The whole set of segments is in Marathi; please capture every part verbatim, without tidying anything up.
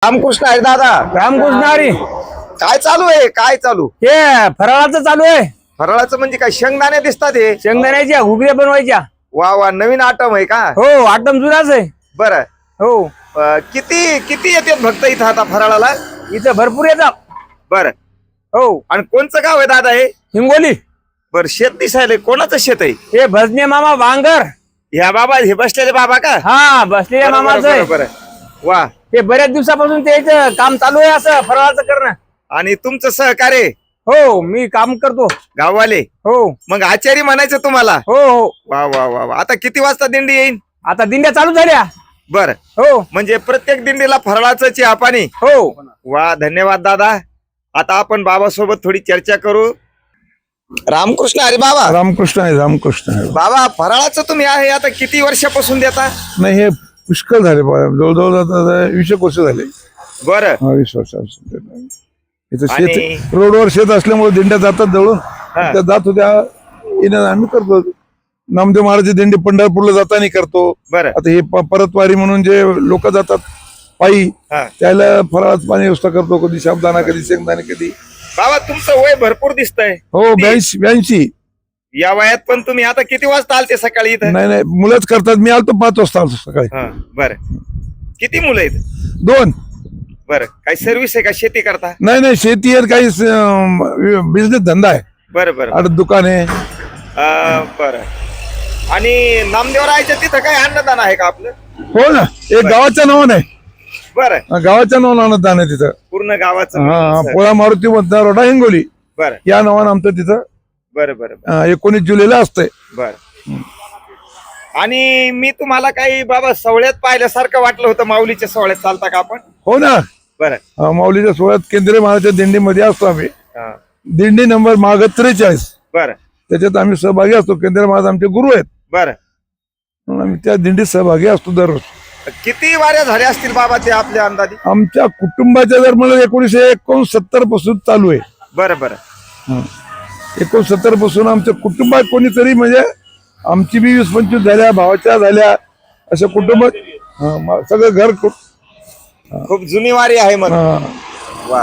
रामकृष्ण आहे दादा. रामकृष्ण हरी. काय चालू आहे? काय चालू? हे फराळाचं चालू आहे. फराळाचं म्हणजे काय? शेंगदाणे दिसतात हे. शेंगदाण्याच्या घुगऱ्या बनवायच्या. वा वा, नवीन आटम आहे का? हो, आटम जुनाच आहे. बरं. हो, अं, किती किती येतात भक्त इथं आता फराळाला? इथं भरपूर येतात. बरं. हो, आणि कोणचं गाव आहे दादा हे? हिंगोली. बरं, शेत दिसायला कोणाचं शेत आहे? हे भजने मामा वांगर. ह्या बाबा, हे बसलेले बाबा का? हा, बसलेल्या बरं, मामाचं बरं, आहे. बरं, बरं. वा. ते बऱ्याच दिवसापासून ते इथं काम चालू आहे असं फराळाचं करणं. आणि तुमचं सहकार्य हो, मी काम करतो. गाववाले हो मग आचारी म्हणायचं तुम्हाला? हो हो. वा वा वा वा. आता किती वाजता दिंडी येईल? आता दिंड्या चालू झाल्या. बरं. हो म्हणजे प्रत्येक दिंडीला फराळाचं चहा पाणी. हो. वा, धन्यवाद दादा. आता आपण बाबासोबत थोडी चर्चा करू. रामकृष्ण हरी बाबा. रामकृष्ण आहे. रामकृष्ण आहे. बाबा, फराळाचं तुम्ही आहे आता किती वर्षापासून देता? नाही, हे पुष्कळ झाले बा. जवळजवळ आता वीस एक वर्ष झाले. बरं. हा, वीस वर्षापासून इथं आणि- शेत, रोडवर शेत असल्यामुळे दिंड्या जातात जवळून. त्या जात होत्या, येणं आम्ही करतो. नामदेव महाराज दिंडी पंढरपूरला जाताना करतो. बरं. आता हे प- परतवारी म्हणून जे लोक जातात पायी, हा. त्याला फराळाचं पाणी व्यवस्था करतो. कधी साबुदाणा, कधी शेंगदाणे, कधी. बाबा, तुमचं वय भरपूर दिसतंय. हो, ब्याऐंशी ब्याऐंशी या वयात पण तुम्ही आता किती वाजता आलते सकाळी इथं? नाही नाही, मुलंच करतात. मी आलतो पाच वाजता आलतो सकाळी. हा, बरं. किती मुलं आहेत? दोन. बरं. काही सर्व्हिस आहे का? शेती करता? नाही नाही, शेती आहे, काही बिझनेस धंदा आहे. बरं बरं. आठ दुकान आहे. अं, बरं. आणि नामदेवरायच्या तिथं काय अन्नदान आहे का आपलं? हो ना, एक गावाच्या नावानं आहे. बरं. गावाच्या नावानं अन्नदान आहे तिथं. पूर्ण गावाचं? हा, पोळा मारुती मतदार रोडा हिंगोली बरं या नावानं आमचं तिथं बरं बरं बरं अं, एकोणीस जुलैला असतंय. बरं. आणि मी तुम्हाला काही बाबा सवळ्यात पाहिल्यासारखं वाटलं होतं. माऊलीच्या सवळ्यात चालता का आपण? हो ना. बरं. अं, माऊलीच्या सोहळ्यात केंद्रीय महाराजच्या दिंडीमध्ये असतो आम्ही. हा. दिंडी नंबर माग त्रेचाळीस, बरं त्याच्यात आम्ही सहभागी असतो. केंद्रीय महाराज आमचे गुरु आहेत, बरं. म्हणून आम्ही त्या दिंडीत सहभागी असतो दररोज. किती वाऱ्या झाल्या असतील बाबा ते आपल्या अंदाजे? आमच्या कुटुंबाच्या जर मला एकोणीसशे एकोणसत्तर पासून चालू आहे. बरं बरं. एकोणसत्तर पासून आमच्या कुटुंबात कोणीतरी, म्हणजे आमची बी वीस पंचवीस झाल्या, भावाच्या झाल्या, असं कुटुंब. हा, मा- सगळं घर कु- खूप जुनी वारी आहे मग. हा. वा.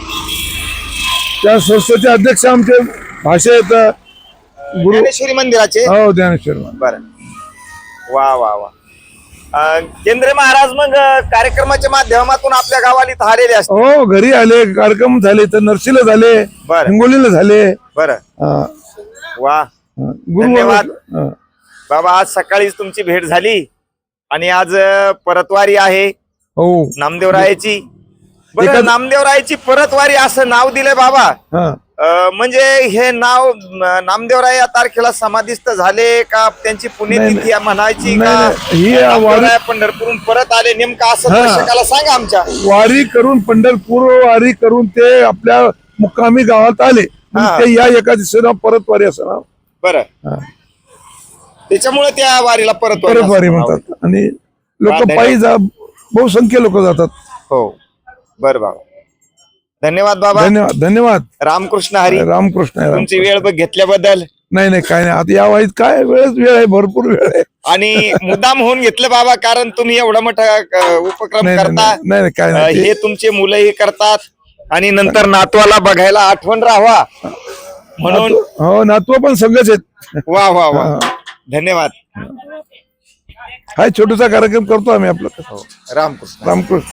त्या संस्थेचे अध्यक्ष आमचे भाषे आहेत गुरु. ज्ञानेश्वरी मंदिराचे? हो, ज्ञानेश्वर. बरं. वा वा वा. अं, केंद्रे महाराज मग अं, कार्यक्रमाच्या माध्यमातून आपल्या गावाला इथं आलेले असतात? हो, घरी आले, कार्यक्रम झाले, तर नरसीला झाले, बरं. हिंगोलीला झाले. बरं. हा, वा. हा. गुरु. धन्यवाद. हा. बाबा, आज सकाळीच तुमची भेट झाली आणि आज अं, परतवारी आहे हो. नामदेवरायाची. बरं, एखाद- नामदेवरायाची परतवारी असं नाव दिलंय बाबा. हा. अं, म्हणजे हे नाव अं, नामदेवराय या तारखेला समाधिस्थ झाले का? त्यांची पुण्यतिथी म्हणायची नाही, का? नाही. ही वारी- नामदेवराय पंढरपूरहून परत आले नेमकं असं हा. दर्शकाला सांगा आमच्या. वारी करून, पंढरपूर वारी करून ते आपल्या मुक्कामी गावात आले. मग हा. ते या एका दिवसाला परत वारी असं नाव. बरं. हा. त्याच्यामुळे त्या वारीला परत परत वारी म्हणतात. आणि लोक पायी जा, बहुसंख्य लोक जातात. हो. बरं बाबा, धन्यवाद बाबा. धन्यवाद. धन्यवाद. रामकृष्ण हरी. रामकृष्ण आहे. तुमची वेळ बघ घेतल्याबद्दल. नाही नाही, काय नाही. आता या वाईत काय वेळच वेळ आहे, भरपूर वेळ आहे. आणि मुद्दाम होऊन घेतलं बाबा, कारण तुम्ही एवढा मोठा अ, उपक्रम नाही करता. नाही, नाही नाही, काय अ, नाही. हे तुमचे मुलंही करतात आणि नंतर नातवाला बघायला आठवण राहावा म्हणून. नातू- हो, नातू पण संघच आहेत. वा वा वा. धन्यवाद. हा, छोटासा कार्यक्रम करतो आम्ही आपला. रामकृष्ण. रामकृष्ण.